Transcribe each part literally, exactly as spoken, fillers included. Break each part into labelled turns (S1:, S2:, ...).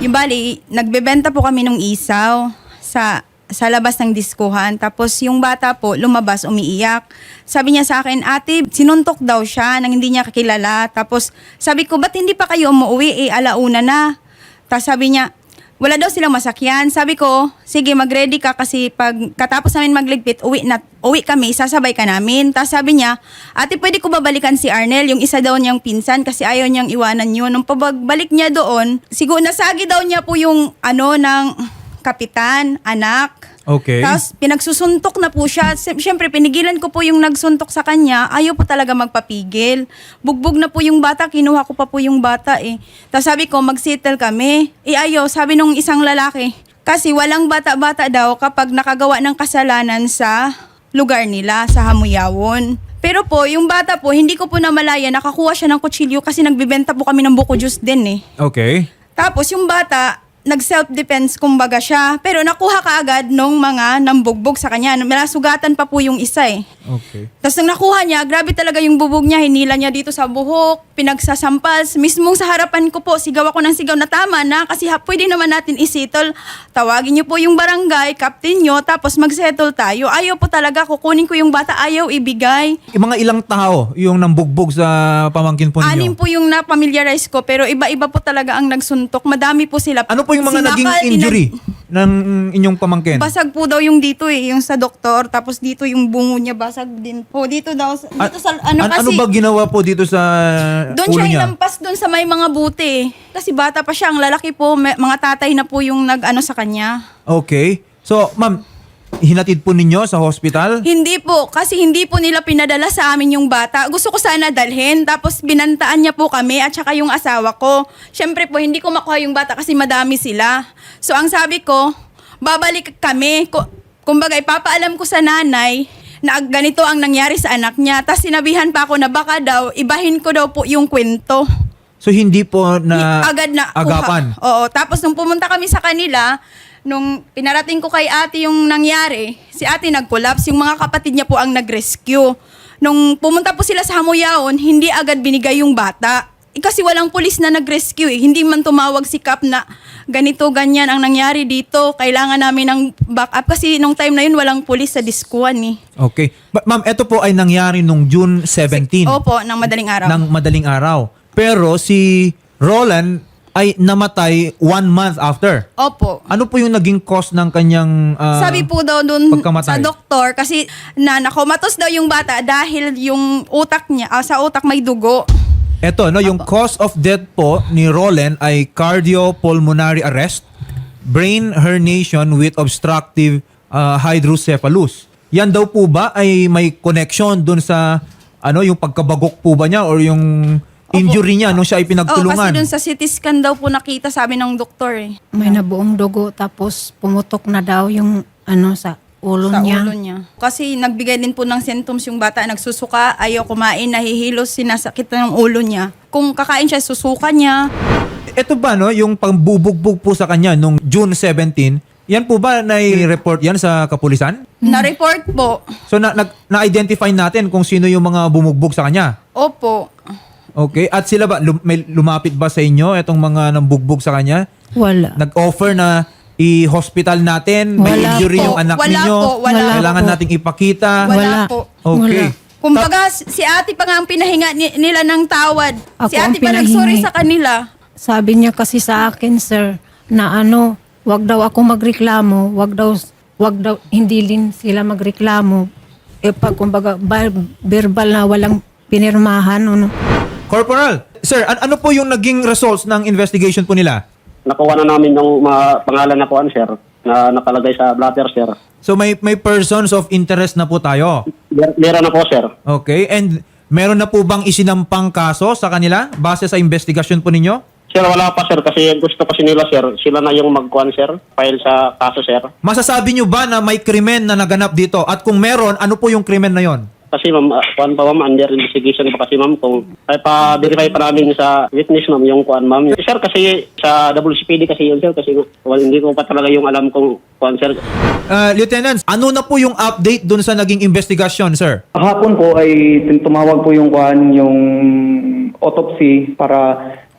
S1: Yung bali, nagbebenta po kami ng isaw sa sa labas ng diskuhan. Tapos yung bata po, lumabas, umiiyak. Sabi niya sa akin, ate, sinuntok daw siya nang hindi niya kakilala. Tapos sabi ko, ba't hindi pa kayo umuwi? Eh, alauna na. Tapos sabi niya, wala daw silang masakyan. Sabi ko, sige, mag-ready ka kasi pag katapos namin magligpit, uwi, na, uwi kami, sasabay ka namin. Tapos sabi niya, ate, pwede ko babalikan si Arnel, yung isa daw niyang pinsan kasi ayaw niyang iwanan yun. Nung pagbalik niya doon, siguro nasagi daw niya po yung ano ng kapitan, anak.
S2: Okay.
S1: Tapos pinagsusuntok na po siya. Siyempre, pinigilan ko po yung nagsuntok sa kanya. Ayaw po talaga magpapigil. Bugbog na po yung bata. Kinuha ko pa po yung bata eh. Tapos sabi ko, mag-settle kami. Eh ayaw, sabi nung isang lalaki. Kasi walang bata-bata daw kapag nakagawa ng kasalanan sa lugar nila, sa Hamuyawon. Pero po, yung bata po, hindi ko po namalaya. Nakakuha siya ng kutsilyo kasi nagbibenta po kami ng buko juice din eh.
S2: Okay.
S1: Tapos yung bata, nag-self-defense kumbaga siya. Pero nakuha ka agad nung mga nambugbog sa kanya. Nasugatan pa po yung isa eh.
S2: Okay.
S1: Tapos nang nakuha niya, grabe talaga yung bubog niya. Hinila niya dito sa buhok, pinagsasampals. Mismong sa harapan ko po, sigaw ako ng sigaw na tama na kasi ha, pwede naman natin isettle. Tawagin niyo po yung barangay, captain niyo, tapos mag-settle tayo. Ayaw po talaga, kukunin ko yung bata, ayaw ibigay.
S2: Yung mga ilang tao yung nambugbog sa pamangkin po ninyo?
S1: Anim po yung na-familiarize ko, pero iba-iba po talaga ang nagsuntok. Madami po sila.
S2: Ano po yung mga
S1: Sinakal,
S2: naging injury ng inyong pamangkin?
S1: Basag po daw yung dito eh, yung sa doktor. Tapos dito yung bungo niya basag din po. Dito daw, dito
S2: A-
S1: sa, ano
S2: an-
S1: kasi.
S2: ano ba ginawa po dito sa
S1: Doon
S2: ulo
S1: siya
S2: niya?
S1: inampas doon sa may mga buti. Kasi bata pa siya, ang lalaki po, may, mga tatay na po yung nag-ano sa kanya.
S2: Okay. So, ma'am, hinatid po ninyo sa hospital?
S1: Hindi po, kasi hindi po nila pinadala sa amin yung bata. Gusto ko sana dalhin, tapos binantaan niya po kami at saka yung asawa ko. Siyempre po, hindi ko makuha yung bata kasi madami sila. So, ang sabi ko, babalik kami. Ko, kumbaga, ipapaalam ko sa nanay na ganito ang nangyari sa anak niya. Tapos sinabihan pa ako na baka daw, ibahin ko daw po yung kwento.
S2: So, hindi po na
S1: agad na
S2: agapan?
S1: kuha. Oo, tapos nung pumunta kami sa kanila, nung pinarating ko kay ate yung nangyari, si ate nag-collapse, yung mga kapatid niya po ang nag-rescue. Nung pumunta po sila sa Hamuyawon, hindi agad binigay yung bata. Eh, kasi walang pulis na nag-rescue eh. Hindi man tumawag si Kap na ganito, ganyan ang nangyari dito. Kailangan namin ng backup. Kasi nung time na yun, walang pulis sa diskuan eh.
S2: Okay. Ma- ma'am, ito po ay nangyari nung June seventeenth.
S1: Opo, ng madaling araw.
S2: Ng madaling araw. Pero si Roland ay namatay one month after.
S1: Opo.
S2: Ano po yung naging cause ng kanyang ah,
S1: Sabi po daw dun
S2: pagkamatay?
S1: sa doktor, kasi na nakomatos daw yung bata dahil yung utak niya, ah, sa utak may dugo.
S2: Eto, no, yung cause of death po ni Roland ay cardiopulmonary arrest, brain herniation with obstructive ah, hydrocephalus. Yan daw po ba ay may connection dun sa ano yung pagkabagok po ba niya or yung injury niya nung siya ay
S1: Oh,
S2: pinagtulungan?
S1: kasi dun sa C T scan daw po nakita, sabi ng doktor eh.
S3: May nabuong dugo tapos pumutok na daw yung ano sa ulo
S1: Sa
S3: niya.
S1: ulo niya. Kasi nagbigay din po ng symptoms yung bata, nagsusuka, ayaw kumain, nahihilos, sinasakit na ng ulo niya. Kung kakain siya, susuka niya.
S2: Ito ba no, yung pambubugbog po sa kanya nung June seventeenth, yan po ba nai-report yan sa kapulisan?
S1: Na-report po.
S2: So na, na, na-identify natin kung sino yung mga bumugbog sa kanya?
S1: Opo.
S2: Okay. At sila ba, lum- may lumapit ba sa inyo itong mga nambugbog sa kanya?
S3: Wala.
S2: Nag-offer na i-hospital natin, may
S3: Wala
S2: injury
S1: po.
S2: yung anak
S1: Wala
S2: ninyo,
S1: po, wala
S2: kailangan
S3: po.
S2: nating ipakita.
S1: Wala,
S3: Wala.
S1: po.
S2: Okay.
S3: Wala.
S1: Kumbaga, si ate pa nga ang pinahinga ni- nila ng tawad.
S3: Ako
S1: si
S3: ang
S1: ate pa
S3: pinahingi.
S1: nagsorry sa kanila.
S3: Sabi niya kasi sa akin, sir, na ano, wag daw ako magreklamo, wag daw, wag daw, hindi din sila magreklamo. Eh pag kumbaga, bar- verbal na walang pinirmahan, ano.
S2: Corporal, sir, an- ano po yung naging results ng investigation po nila?
S4: Nakuha na namin yung mga pangalan na kuan, sir, na nakalagay sa blatter, sir.
S2: So may may persons of interest na po tayo.
S4: Mer- Meron na po, sir.
S2: Okay. And meron na po bang isinampang kaso sa kanila base sa investigation po ninyo?
S4: Sir, wala pa, sir, kasi gusto kasi nila, sir. Sila na yung magkuan, sir, file sa kaso, sir.
S2: Masasabi nyo ba na may krimen na naganap dito? At kung meron, ano po yung krimen na yon?
S4: Kasi, ma'am, uh, kuan pa, ma'am, under investigation pa kasi, ma'am, kung ay pa-verify pa namin sa witness, ma'am, yung kuan, ma'am. Sir, kasi sa W C P D kasi yun, sir, kasi well, hindi ko pa talaga yung alam kung kuan, sir.
S2: Uh, Lieutenant, ano na po yung update dun sa naging investigation, sir?
S5: Kahapon po ay tumawag po yung kuan, yung autopsy para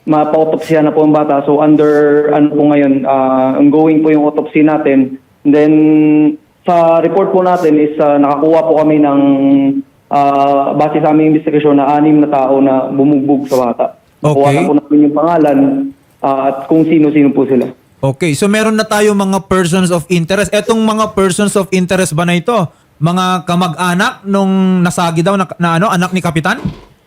S5: mapa-autopsya na po ang bata. So under ano po ngayon, ah, ongoing po yung autopsy natin. And then sa report po natin is ah, nakakuha po kami ng ah, base sa aming investigasyon na anim na tao na bumugbog sa bata. Nakuha
S2: Okay.
S5: na po namin yung pangalan ah, at kung sino-sino po sila.
S2: Okay, so meron na tayo mga persons of interest. Etong mga persons of interest ba na ito? Mga kamag-anak nung nasagi daw na, na ano, anak ni Kapitan?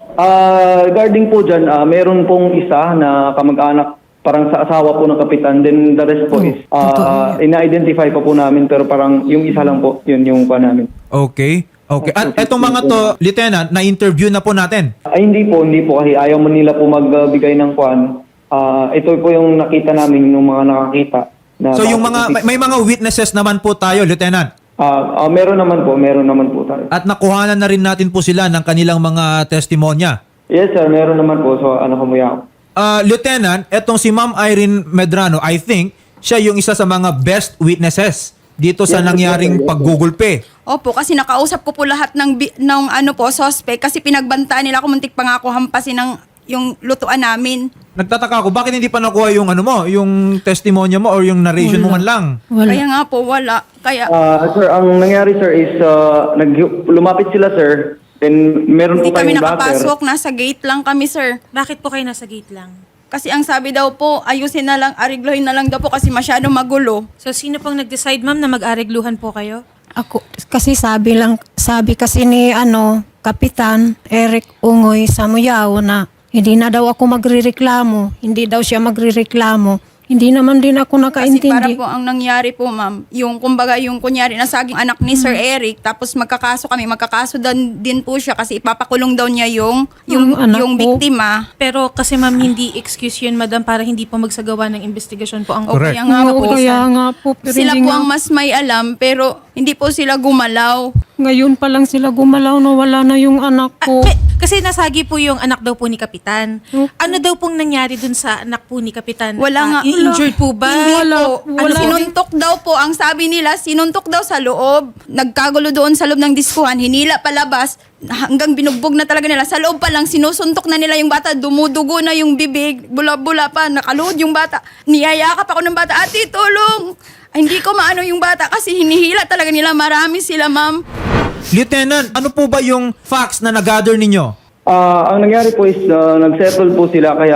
S5: Ah, regarding po dyan, ah, meron pong isa na kamag-anak parang sa asawa po ng kapitan. Then the rest po is ah, ina-identify pa po namin pero parang yung isa lang po, yun yung pa namin.
S2: Okay. Okay. At etong mga to, Lieutenant, na-interview na po natin.
S5: Ay hindi po, hindi po kasi ayaw mo nila po magbigay ng kwan. Ah, ito po yung nakita namin ng mga nakakita. Na
S2: So yung mga may, may mga witnesses naman po tayo, Lieutenant.
S5: Ah, ah, meron naman po, meron naman po tayo.
S2: At nakuhanan na rin natin po sila ng kanilang mga testimonya.
S5: Yes sir, meron naman po. So ano kumuya ako.
S2: Uh, Lieutenant, etong si Ma'am Irene Medrano, I think siya yung isa sa mga best witnesses dito sa
S5: Yes,
S2: nangyaring
S5: yes, yes.
S2: paggugulpe.
S1: Opo, kasi nakausap ko po lahat ng, bi- ng ano po, suspect kasi pinagbantaan nila ako, muntik pa nga ako hampasin ng yung lutuan namin.
S2: Nagtataka ako, bakit hindi pa nakuha yung ano mo, yung testimonya mo or yung narration mo man lang?
S3: Wala.
S1: Kaya nga po, wala. Kaya
S5: Ah, sir, ang nangyari sir is ah, nag lumapit sila sir. Then meron
S1: hindi
S5: po
S1: kami
S5: kayong backer.
S1: nakapasok, nasa gate lang kami, sir.
S6: Bakit po kayo nasa gate lang?
S1: Kasi ang sabi daw po, ayusin na lang, ariglohin na lang daw po kasi masyado magulo.
S6: So, sino pong nag-decide, ma'am, na mag-aregluhan po kayo?
S3: Ako, kasi sabi lang, sabi kasi ni ano, Kapitan Eric Ungoy Samuyao na hindi na daw ako magrereklamo, hindi daw siya magrereklamo. Hindi naman din ako
S1: Kasi para
S3: nakaintindi.
S1: po ang nangyari po, ma'am, yung kumbaga yung kunyari nasaging anak ni Sir Eric, tapos magkakaso kami, magkakaso dan, din po siya kasi ipapakulong daw niya yung yung
S3: Ang anak
S1: yung
S3: ko.
S1: biktima.
S6: Pero kasi, ma'am, hindi excuse yun, madam, para hindi po magsagawa ng investigasyon po ang...
S1: O
S2: Correct.
S1: kaya nga
S3: Oo,
S1: po,
S3: kaya
S1: sir.
S3: nga po, pero
S1: Sila
S3: hindi
S1: po
S3: nga-
S1: ang mas may alam, pero hindi po sila gumalaw.
S3: Ngayon pa lang sila gumalaw na wala na yung anak
S6: Ah,
S3: ko.
S6: pe- kasi nasagi po yung anak daw po ni Kapitan.
S3: Okay.
S6: Ano daw pong nangyari dun sa anak po ni Kapitan?
S1: Wala
S6: Ah,
S1: nga.
S6: i-injured po ba?
S1: Hindi
S3: Wala.
S1: po. Ano,
S3: Wala.
S1: sinuntok daw po. Ang sabi nila, sinuntok daw sa loob. Nagkagulo doon sa loob ng diskuhan. Hinila palabas. Hanggang binugbog na talaga nila. Sa loob pa lang, sinusuntok na nila yung bata. Dumudugo na yung bibig. Bula-bula pa. Nakaluhod yung bata. Niyayakap ako ng bata. Ate, tulong! Ay, hindi ko maano yung bata kasi hinihila talaga nila. Marami sila, ma'am.
S2: Lieutenant, ano po ba yung facts na nag-gather ninyo?
S5: Ah, ang nangyari po is ah, nag-settle po sila kaya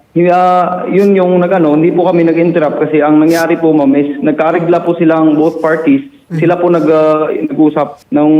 S5: ah, yun yung nagano, hindi po kami nag-interrupt kasi ang nangyari po ma'am is nagkaregla po silang both parties. Sila po nag ah, nag-usap nung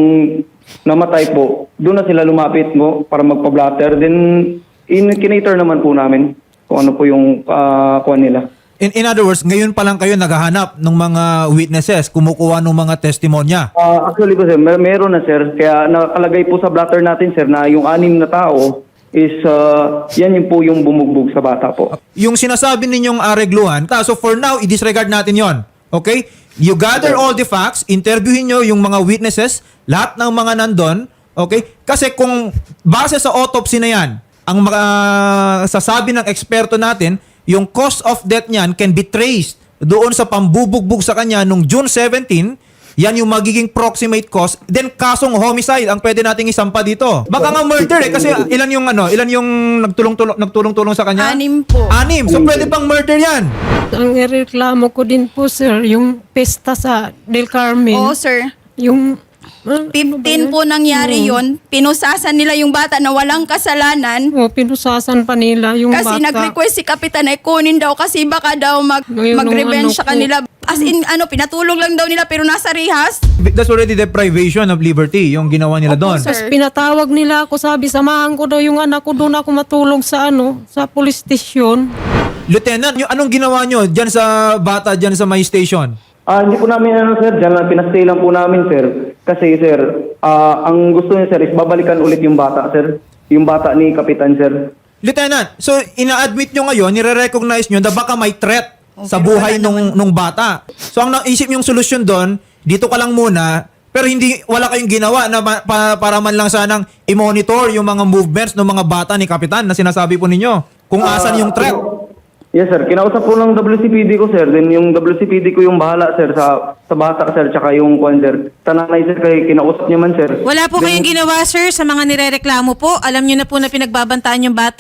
S5: namatay po. Doon na sila lumapit mo para magpa-blatter. Then in kinater naman po namin kung ano po yung uh, kuha nila.
S2: In, in other words, ngayon pa lang kayo naghahanap ng mga witnesses, kumukuha ng mga testimonya.
S5: Ah, actually po sir, mer- meron na sir. Kaya nakalagay po sa blatter natin sir na yung anim na tao is ah, yan yung po yung bumugbog sa bata po.
S2: Yung sinasabi ninyong aregluhan, ta, so for now, i-disregard natin yon. Okay? You gather all the facts, interviewin nyo yung mga witnesses, lahat ng mga nandun, okay? Kasi kung base sa autopsy na yan, ang uh, sasabi ng eksperto natin, yung cause of death niyan can be traced doon sa pambubugbog sa kanya nung June seventeenth. Yan yung magiging proximate cause. Then kasong homicide ang pwede nating isampa dito. Baka nga murder eh kasi ilan yung ano, ilan yung nagtulong-tulong nagtulong-tulong sa kanya?
S1: Anim po.
S2: Anim. So pwede pang murder yan.
S3: Ang ireklamo ko din po, sir, yung pesta sa Del Carmen.
S1: Oo, sir.
S3: Yung... ano ba
S1: fifteen
S3: yan?
S1: po nangyari yon. Pinusasan nila yung bata na walang kasalanan.
S3: O, pinusasan pa nila yung
S1: Kasi
S3: bata.
S1: nag-request si Kapitan ay kunin daw kasi baka daw mag,
S3: Ngayon,
S1: mag-revenge
S3: nung
S1: sa
S3: ano
S1: kanila. As in, ano, pinatulog lang daw nila pero nasa rehas.
S2: That's already deprivation of liberty yung ginawa nila doon.
S1: sir.
S3: Tapos pinatawag nila ako, sabi, samahan ko daw yung anak ko, doon ako matulog sa ano, sa police station.
S2: Lieutenant, yung anong ginawa nyo dyan sa bata dyan sa my station?
S5: Ah, hindi po namin ano sir, diyan lang pinastay lang po namin sir. Kasi sir, ah, ang gusto niya sir is babalikan ulit yung bata sir. Yung bata ni Kapitan sir.
S2: Lieutenant, so ina-admit nyo ngayon, nire-recognize nyo na baka may threat sa buhay nung, nung bata. So ang naisip yung solusyon doon, dito ka lang muna, pero hindi wala kayong ginawa na ma- pa- para man lang sanang i-monitor yung mga movements ng mga bata ni Kapitan na sinasabi po ninyo. Kung asan yung threat.
S5: Yes sir, kinausap po ng W C P D ko sir. Then yung W C P D ko yung bahala sir sa sa bata sir tsaka yung kwan sir. Tananay sir kay kinausap niya man sir.
S6: Wala po kayong ginawa, sir, sa mga nirereklamo po. Alam niyo na po na pinagbabantaan yung bata.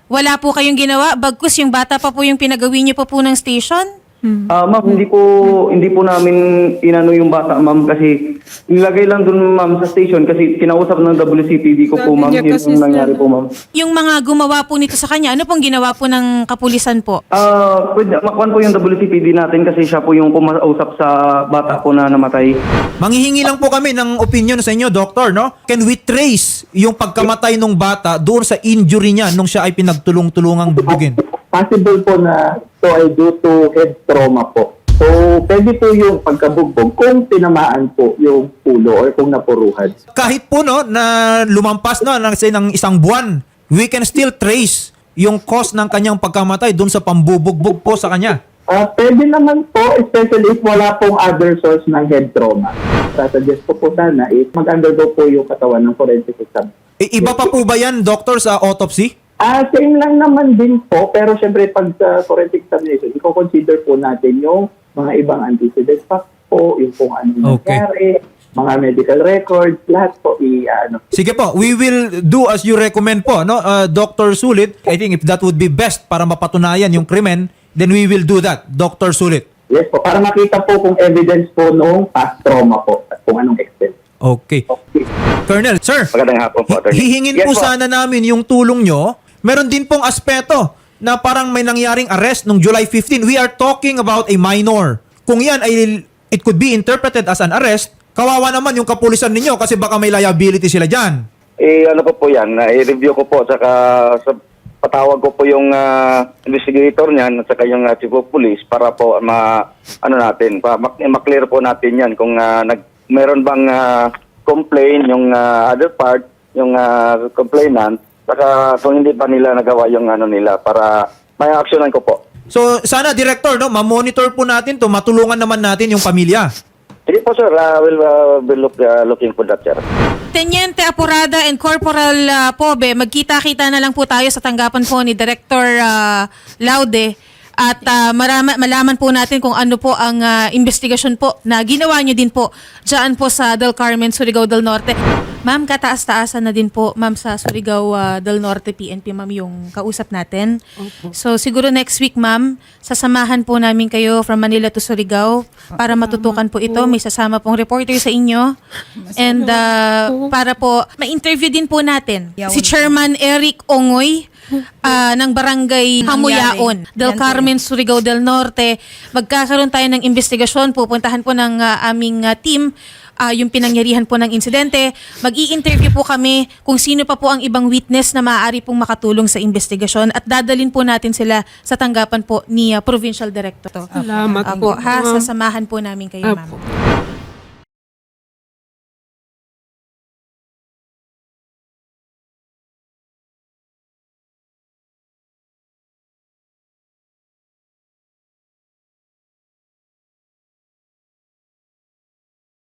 S6: wala po kayong ginawa, bagkus yung bata pa po yung pinagawin niyo pa po ng station?
S5: Ah, ma'am, hindi po hindi po namin inano yung bata, ma'am, kasi nilagay lang dun, ma'am, sa station kasi kinausap ng W C P D ko po,
S3: Sabi
S5: ma'am,
S3: niya
S5: yun
S3: kasi
S5: yung nangyari
S3: sir-
S5: po, ma'am.
S6: Yung mga gumawa po nito sa kanya, ano pong ginawa po ng kapulisan po?
S5: Ah, pwede makuan po yung W C P D natin kasi siya po yung kumausap sa bata po na namatay.
S2: Manghihingi lang po kami ng opinion sa inyo, Doctor, no? Can we trace yung pagkamatay ng bata doon sa injury niya nung siya ay pinagtulong-tulungang bubugin?
S7: Possible po na ito ay due to head trauma po. So, pwede po yung pagkabugbog kung tinamaan po yung ulo or kung napuruhan.
S2: Kahit po no, na lumampas na ng, say, ng isang buwan, we can still trace yung cause ng kanyang pagkamatay doon sa pambubugbog po sa kanya.
S7: Ah, pwede naman po, especially if wala pong other source ng head trauma. Sasuggest ko po sana is mag-undergo po yung katawan ng forensic exam.
S2: I- iba pa po ba yan, Doctor, sa autopsy?
S7: Ah, same lang naman din po, pero syempre pag sa forensic examination, i-consider po natin yung mga ibang antecedent facts po, yung kung ano
S2: Okay.
S7: nangyari, mga medical records, lahat po i-ano.
S2: Sige po, we will do as you recommend po, no? Uh, Doctor Sulit, I think if that would be best para mapatunayan yung krimen, then we will do that, Doctor Sulit.
S7: Yes po, para makita po kung evidence po noong past trauma po at kung anong extent.
S2: Okay.
S7: Okay.
S2: Colonel, sir,
S8: Magandang hapon po, attorney.
S2: hihingin
S8: Yes
S2: po
S8: po.
S2: sana namin yung tulong nyo. Meron din pong aspeto na parang may nangyaring arrest nung July fifteenth. We are talking about a minor. Kung yan ay it could be interpreted as an arrest, kawawa naman yung kapulisan ninyo kasi baka may liability sila dyan.
S8: Eh, ano po po yan, uh, i-review ko po, saka sa, patawag ko po yung ah, investigator niyan at saka yung uh, chief of police para po ma, ano natin, pa, mak- maklear po natin yan kung ah, nag, meron bang ah, complaint yung ah, other part, yung ah, complainant, saka kung hindi pa nila nagawa yung ano nila para may aksyonan ko po.
S2: So sana, Director, no, ma-monitor po natin to, matulungan naman natin yung pamilya.
S8: Sige po sir, uh, we'll uh, be look, uh, looking for that sir.
S6: Teniente Apurada and Corporal ah, Pobe, magkita-kita na lang po tayo sa tanggapan po ni Director ah, Laude at ah, marama, malaman po natin kung ano po ang ah, investigasyon po na ginawa niyo din po dyan po sa Del Carmen, Surigao del Norte. Ma'am, kataas-taasan na din po, ma'am, sa Surigao ah, del Norte P N P, ma'am, yung kausap natin. So, siguro next week, ma'am, sasamahan po namin kayo from Manila to Surigao para matutukan po ito. May sasama pong reporter sa inyo. And ah, para po, ma-interview din po natin si Chairman Eric Ongoy ah, ng Barangay Hamuyaon, Del Carmen, Surigao del Norte. Magkakaroon tayo ng investigasyon. Pupuntahan po ng ah, aming ah, team ah, yung pinangyarihan po ng insidente. Mag-i-interview po kami kung sino pa po ang ibang witness na maaari pong makatulong sa investigasyon at dadalin po natin sila sa tanggapan po ni ah, Provincial Director.
S3: Salamat
S6: Apo,
S3: po.
S6: ha, sasamahan po namin kayo, ma'am.